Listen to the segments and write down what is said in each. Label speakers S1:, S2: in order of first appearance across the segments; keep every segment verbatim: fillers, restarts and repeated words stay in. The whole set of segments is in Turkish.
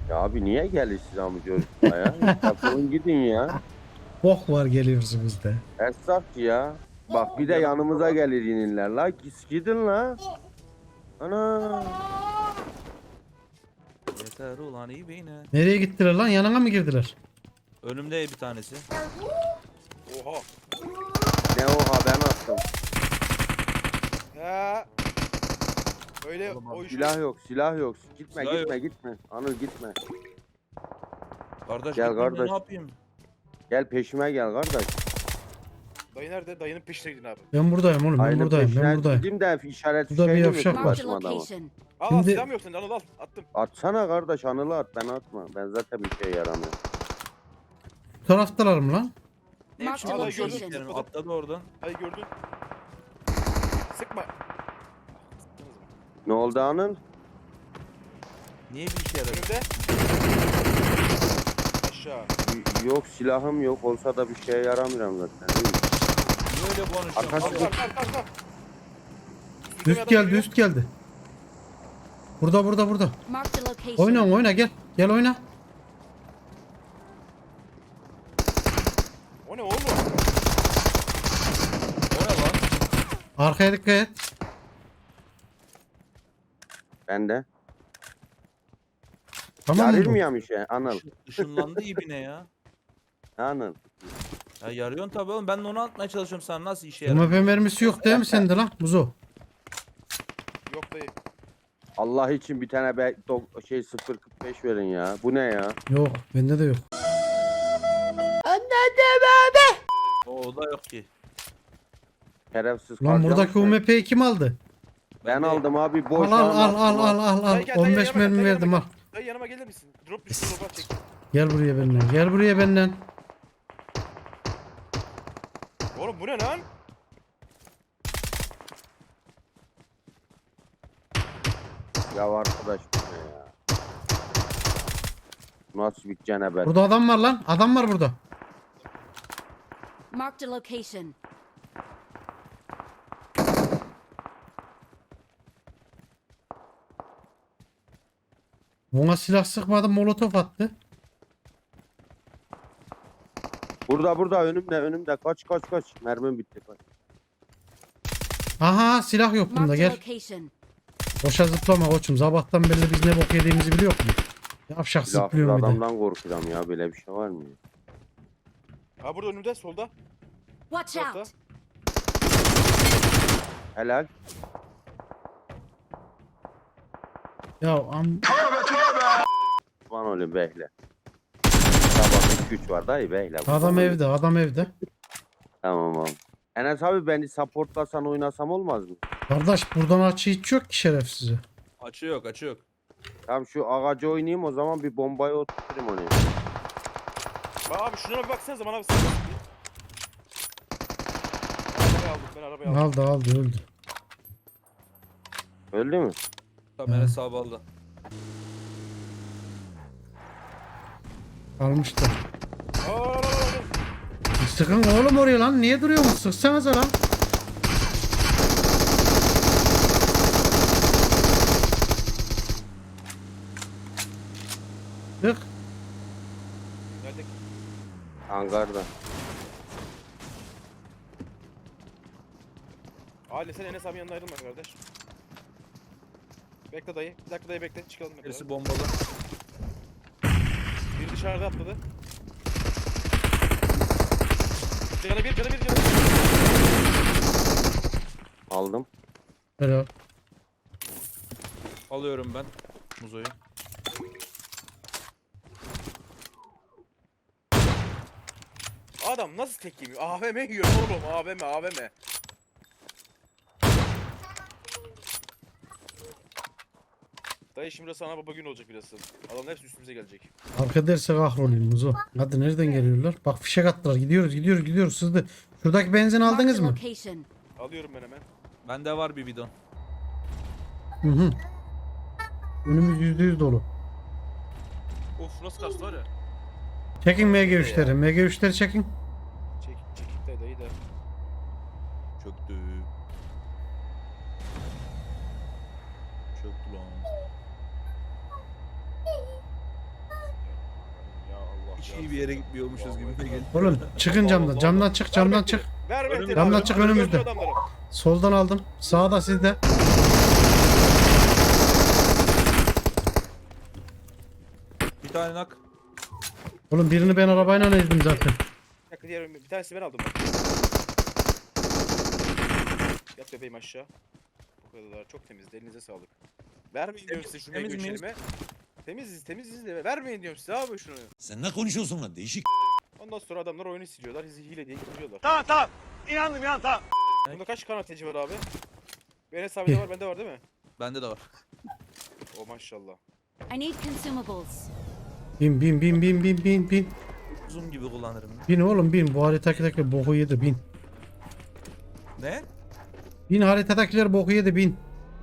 S1: Ya abi niye gelirsiniz amca ya? Defolun gidin ya.
S2: Bok var geliyorsunuz da.
S1: Esnaf ya. Bak bir de yanımıza gelir ininler la. Gis gidin la. Ana.
S3: Yeter ulan iyi beyine.
S2: Nereye gittiler lan? Yanına mı girdiler?
S3: Önümde bir tanesi.
S4: Oha.
S1: Ne oha ben attım.
S4: Ha. Öyle
S3: Oğlum,
S4: o iş.
S1: Silah yok silah yok. Gitme
S3: Silah
S1: gitme
S3: yok.
S1: gitme. Anıl gitme.
S3: Kardeş
S1: Gel
S3: gitmeyeyim de
S1: kardeş.
S3: ne yapayım?
S1: Gel peşime gel kardeş.
S4: Dayı nerede? Dayının peşine gidin abi.
S2: Ben buradayım oğlum. Ben
S1: Aynı
S2: buradayım. Ben
S1: peşine
S2: buradayım.
S1: gideyim de işaret
S2: Burada bir
S1: fişeğini
S2: yavşak
S1: mi
S2: var.
S5: Marked a
S1: başıma adamı?
S5: location.
S4: Al
S2: Şimdi-
S4: al silah mı yok sende? Al al attım.
S1: Atsana kardeş Anıl'ı at ben atma. Ben zaten bir şey yaramıyorum.
S2: Bu taraftalar mı lan?
S3: Ne
S5: Marked
S3: biçim
S4: a
S3: konuşuyorsun
S4: location.
S3: senin? Atladı oradan.
S4: Hayır gördün. Sıkma.
S1: Ne oldu Anıl?
S3: Niye bir işe yaradı?
S4: Önümde. Aşağı.
S1: Y- Yok silahım yok olsa da bir şeye yaramıyorum zaten.
S3: Niye öyle konuşuyorsun?
S1: Arkadaş-
S4: Al
S3: Allah-
S4: al al al.
S2: Üst geldi, üst geldi. Burada, burada, burada.
S5: Marked a location.
S2: Oyna, oyna gel. Gel oyna.
S4: O ne oğlum?
S3: O ne lan?
S2: Arkaya dikkat et.
S1: Ben de.
S2: Tamam mı?
S1: Yarir
S2: bu?
S1: mi ya bir şey Anıl?
S3: Işın- Işınlandı ibine ya.
S1: Anıl.
S3: Ya yarıyorsun tabii oğlum. Ben de onu atmaya çalışıyorum. Sen nasıl işe
S2: M
S3: yarar?
S2: P mermisi yok değil mi sende lan? Muzo.
S4: Yok dayı.
S1: Allah için bir tane be, do- şey sıfır kırk beş verin ya. Bu ne ya?
S2: Yok. Bende de yok.
S3: O da yok ki.
S1: Şerefsiz
S2: Lan buradaki
S1: karşılamışlar.
S2: U M P'yi kim aldı?
S1: Ben
S3: de-
S1: aldım abi
S2: Al
S1: boş
S2: al al al al al al.
S4: Dayı gel, dayı
S2: on beş
S4: yanıma gel,
S2: mermi
S4: dayı
S2: verdim al.
S4: yanıma gel. Dayı yanıma gelir misin? Drop düştü drop'a çek.
S2: Gel buraya benden. Gel buraya benden.
S4: Oğlum bu ne lan?
S1: Ya arkadaş bu ne ya? Nasıl bir cenabet?
S2: Burada adam var lan. Adam var burada.
S5: Marked a location.
S2: Buna silah sıkmadı, molotof attı.
S1: Burada burada önümde önümde kaç kaç kaç. Mermim bitti kaç.
S2: Aha silah yok bunda
S5: Marked a
S2: gel.
S5: location.
S2: Boşa zıplama koçum. Sabahtan beri biz ne bok yediğimizi biliyor musun? Yavşak
S1: Silahsız
S2: zıplıyor bir de.
S1: adamdan korkuyorum ya böyle bir şey var mı?
S4: Ha burada önümde solda.
S5: Watch
S4: Orta.
S5: out.
S1: Helal.
S2: Ya am
S1: Van oğlum behle. Sabah güç var dayı behle.
S2: adam evde, adam evde.
S1: Tamam abi. Enes abi beni supportlasan oynasam olmaz mı?
S2: Kardeş buradan açı hiç yok ki şerefsize.
S3: Açı yok açı yok.
S1: Tamam şu ağacı oynayayım o zaman bir bombayı oturtayım onu.
S4: Bak abi şuna bir baksanıza bana bir sıkıntı. Arabayı aldım ben arabayı aldım.
S2: Aldı aldı öldü.
S1: Öldü mü?
S3: Tamam
S2: Hı.
S3: hesabı aldı.
S2: Almıştı.
S4: Aa, aa, aa, aa.
S2: Sıkın oğlum oraya lan. Niye duruyorsunuz? Sıksanıza lan. Sık.
S4: Geldik.
S1: Hangarda.
S4: Aile sen Enes abinin yanına ayrılma kardeş. Bekle dayı. Bir dakika dayı bekle. Çıkalım. hep
S3: Birisi
S4: beraber.
S3: bombalı.
S4: Biri dışarıda atladı. Canı bir, canı bir, canı bir.
S1: Aldım.
S2: Helal.
S3: Alıyorum ben. Muzo'yu.
S4: Adam nasıl tek yemiyor? A V M yiyor oğlum. A V M, A V M. Dayı şimdi sana baba gün olacak biraz. Adamlar hepsi üstümüze gelecek.
S2: Arka derse kahroluyum Muzo. Hadi nereden geliyorlar? Bak fişek attılar. Gidiyoruz gidiyoruz gidiyoruz sızdı. Şuradaki benzin
S5: Marked
S2: aldınız
S5: a
S2: mı?
S5: location.
S4: Alıyorum ben hemen.
S3: Bende var bir bidon.
S2: Hı hı. Önümüz yüzde yüz dolu.
S4: Of nasıl kastı var ya.
S2: Çekin M G üçleri. M G üçleri çekin.
S4: Çek, çekik dayı dayı da.
S3: Çöktü. Çöktü lan. Hiç iyi bir yere gitmiyormuşuz gibi de geliyor.
S2: Oğlum çıkın camdan. Camdan çık, camdan çık.
S4: Ver Mehteri.
S2: Camdan
S4: abi.
S2: çık,
S4: Gördüm
S2: önümüzde.
S4: adamları.
S2: Soldan aldım. Sağda sizde.
S3: Bir tane nak.
S2: Oğlum birini ben arabayla ezdim zaten.
S4: Bir dakika diğer bir tanesi ben aldım bak. Yat bebeğim aşağı. Bu kadar çok temizdi. Elinize sağlık. Vermeyin diyorum size şu
S3: Temiz
S4: mega
S3: miyiz?
S4: içerime. Temiziz temiziz de vermeyin diyorum size abi şunu.
S6: Sen ne konuşuyorsun lan değişik.
S4: Ondan sonra adamlar oyunu siliyorlar. Bizi hile diye gidiyorlar.
S7: Tamam tamam. İnandım ya tamam.
S4: Bunda kaç kanateci var abi? Benim hesabımda var, bende var değil mi?
S3: Bende de var.
S4: O maşallah.
S5: I need consumables.
S2: Bin bin bin bin bin bin bin.
S3: Zoom gibi kullanırım.
S2: Bin oğlum bin. Bu haritadakiler boku yedi bin.
S3: Ne?
S2: Bin haritadakiler boku yedi bin.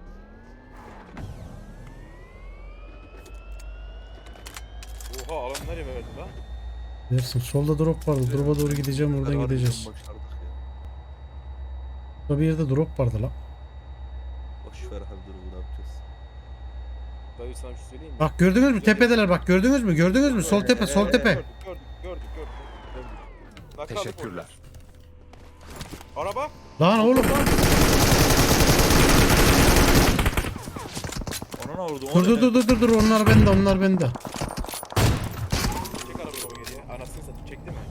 S4: Oha alan nereye verdi lan?
S2: Dersin solda drop vardı. Drop'a doğru gideceğim, oradan
S3: Harbiden
S2: gideceğiz.
S3: başardık ya.
S2: Burada bir yerde drop vardı lan.
S3: Boş ver abi durumu ne yapacağız?
S4: Dayı sana bir şey söyleyeyim mi?
S2: Bak gördünüz mü tepedeler, bak gördünüz mü gördünüz mü sol tepe sol tepe.
S4: Gördük gördük gördük gördük. gördük. Teşekkürler. Araba.
S2: Lan oğlum
S3: Ona ne oldu?
S2: dur dur dur dur dur dur onlar bende onlar bende.
S4: Çek arabayı baba geriye. Anasını satayım çekti mi?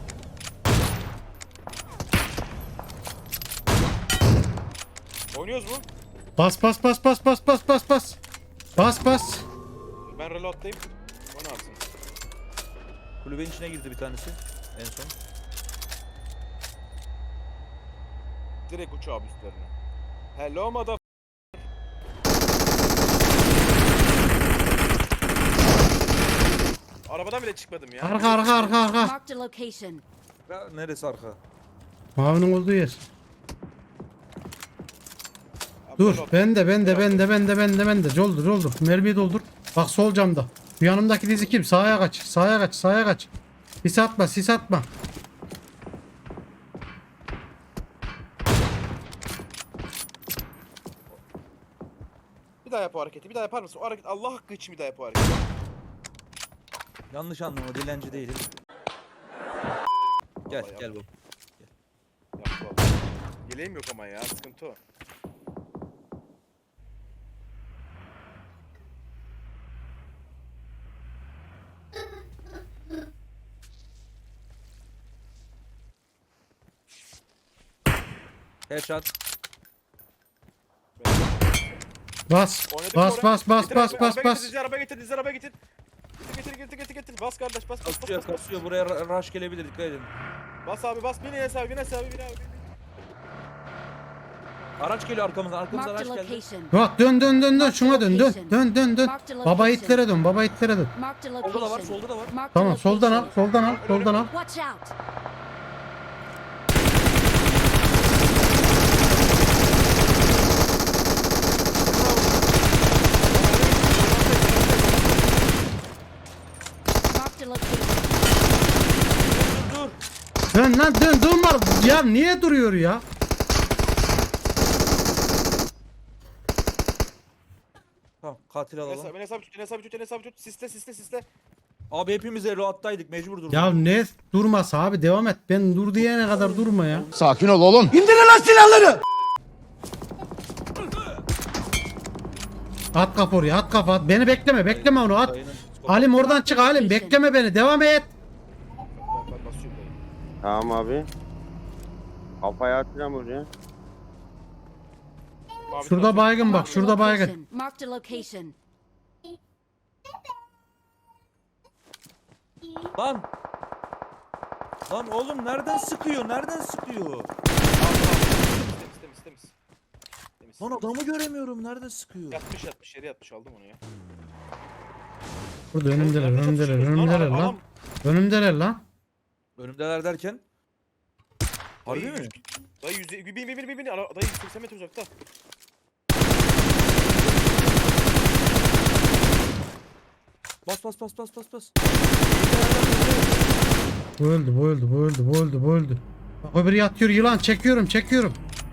S4: Oynuyoruz mu?
S2: Bas bas bas bas bas bas bas bas. Bas bas.
S4: Ben reload'dayım. O ne yapsın?
S3: Kulübenin içine girdi bir tanesi. En son.
S4: Direkt uç abi üstlerine. Hello mother. Arabadan bile çıkmadım ya.
S2: Arka arka arka arka.
S5: Marked a location.
S3: Ya, neresi arka?
S2: Mavinin olduğu yer.
S4: Abi
S2: Dur
S4: reload.
S2: bende bende bende bende bende bende. Doldur doldur. Mermiyi doldur. Bak sol camda. Bu yanımdaki dizi kim? Sağa kaç. Sağa kaç. Sağa kaç. Sis atma sis atma.
S4: Bir daha yap o hareketi. Bir daha yapar mısın? O hareket Allah hakkı için bir daha yap o hareketi.
S3: Yanlış anlama dilenci değilim. Gel
S4: Vallahi
S3: gel bu.
S4: Yap vallahi. Yeleğim yok ama ya. Sıkıntı o.
S3: Headshot.
S2: Bas.
S4: Oynadık
S2: Bas
S4: oraya.
S2: bas bas
S4: Getir
S2: bas
S4: abi,
S2: bas
S4: araba
S2: bas.
S4: Getir, dizi araba getir, dizi araba getir. Getir, getir, getir, getir, getir. Bas kardeş, bas, bas, bas,
S3: Kasıyor
S4: bas, bas.
S3: kasıyor buraya ra- rush gelebilir dikkat edin.
S4: Bas abi, bas. Bin hesabı, bin hesabı, bin abi.
S3: Araç geliyor arkamızdan arkamızdan
S5: Marked a
S3: araç geldi.
S5: location.
S2: Bak dön dön dön dön şuna dön dön dön dön dön. Baba itlere dön baba itlere dön.
S5: Marked a
S3: Solda da var
S5: location.
S3: solda da var.
S5: Marked a
S2: Tamam soldan al
S5: location.
S2: soldan al soldan al.
S5: Watch out. Marked a location.
S3: Dur.
S2: Dön lan dön durma. Ya niye duruyor ya?
S3: Tamam katil
S4: Bin
S3: alalım.
S4: hesabı, bin hesabı tut, bin hesabı tut, bin hesabı tut. Siste, siste, siste.
S3: Abi hepimiz reload'daydık mecbur durduk.
S2: Ya ne durması abi devam et. Ben dur diyene kadar durma ya.
S6: Sakin ol oğlum.
S2: At kafa oraya at kafa at. Beni bekleme bekleme onu at.
S3: Dayının psikopat-
S2: Halim oradan çık Halim bekleme beni devam et.
S4: Ben, ben basıyorum dayı.
S1: Tamam abi. Kafaya atacağım oraya.
S4: Mavi
S2: Şurada
S4: tarafı-
S2: baygın bak
S5: Marked a
S2: şurada baygın.
S5: location. Marked a location.
S3: Lan. Lan oğlum nereden sıkıyor? Nereden sıkıyor?
S4: Temiz, temiz, temiz. Temiz.
S3: Lan adamı göremiyorum. Nereden sıkıyor?
S4: Yatmış, yatmış, yere yatmış. Aldım onu ya.
S2: Burada önümdeler
S4: Nerede
S2: önümdeler
S4: çatışıyoruz
S2: önümdeler
S4: Adam-
S2: lan. Önümdeler lan.
S3: Önümdeler derken. Harbi
S4: Dayı
S3: mi?
S4: yüz- Dayı yüz... Bin, bin, bin, bin, bin. Ara- Dayı yüz seksen metre uzakta.
S3: Bas bas bas bas bas bas.
S2: Bu öldü bu öldü bu öldü bu öldü bu öldü. Bak öbürü yatıyor yılan çekiyorum çekiyorum.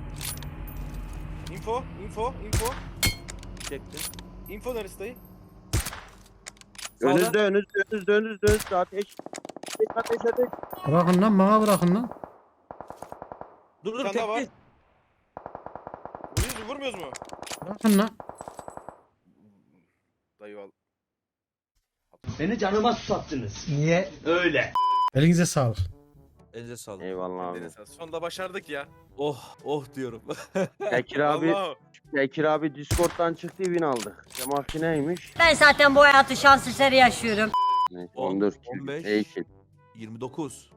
S4: Info, info, info.
S3: Çekti.
S4: Info neresi dayı?
S3: Sağda.
S1: Önünüzde önünüzde önünüzde önünüzde önünüzde ateş. ateş ateş.
S2: Bırakın lan, bana bırakın lan.
S3: Dur dur
S4: Bir tane daha var.
S3: tekli.
S4: Vuruyoruz mu vurmuyoruz mu?
S2: Bırakın lan.
S4: Dayı al.
S7: Beni canıma susattınız. Niye? Öyle.
S2: Elinize sağlık.
S3: Elinize sağlık.
S1: Eyvallah abi.
S4: Deniz sonunda başardık ya.
S3: Oh oh diyorum.
S1: Bekir abi,
S4: Allah.
S1: Bekir abi Discord'dan çıktı, win aldık. Cemaki neymiş?
S8: Ben zaten bu hayatı şans eseri yaşıyorum.
S1: Neyse,
S3: On,
S1: on dört
S3: on
S1: kill.
S3: beş.
S1: İyi kill.
S3: yirmi dokuz.